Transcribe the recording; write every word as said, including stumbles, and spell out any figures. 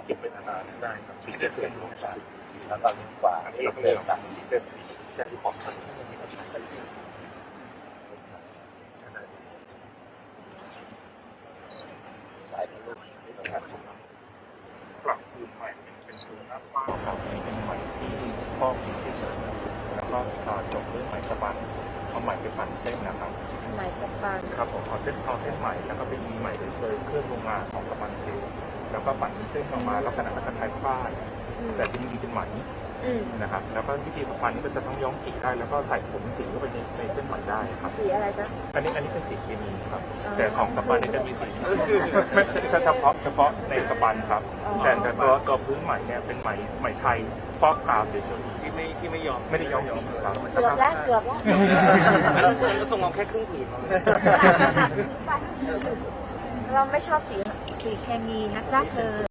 เก็บไว้นานๆได้ครับสีจะสวยงามแล้วก็ยิ่งกว่าอันนี้เราเราเดิเดินนสัสักกสีเป็นสีแซนที่ของท่านที่มีปัญหากันที่ขนาดนี้สายทะลุไม่ต้องการจุดปรับพื้นใหม่เป็นพื้นหน้าฟ้าครับนี่เป็นใหม่ที่ข้อมีเฉยๆแล้วก็จบด้วยไหมสปันเอาไหมไปปั่นเส้นนะครับไหมสปันครับผมเอาเส้นเอาเส้นใหม่แล้วก็ไปมีใหม่โดยเครื่องโรงงานของสปันซิลแล้วก็ปั่นเป็นเส้นออกมาลักษณะคล้ายๆฝ้ายแต่ที่นี่เป็นไหมอืมนะครับแล้วก็วิธีสปันนี่ก็จะต้องย้อมสีได้แล้วก็ใส่ผงสีเข้าไปในในเส้นไหมได้ครับสีอะไรจ๊ะอันนี้อันนี้เป็นสีเคมีครับอ๋อแต่ของสปันนี่จะมีสีไม่เฉพาะเฉพาะในสปันครับอ๋อแต่แต่ตัวตัวพื้นไหมเนี่ยเป็นไหมไหมไทยฟอกกาวเฉยๆที่ไม่ที่ไม่ยอมไม่ได้ย้อมสีครับเกือบแล้วเกือบแล้วแล้วเพื่อนก็ส่งเราแค่ครึ่งผืนเราไม่ชอบสีสีเคมีนะจ๊ะเธอ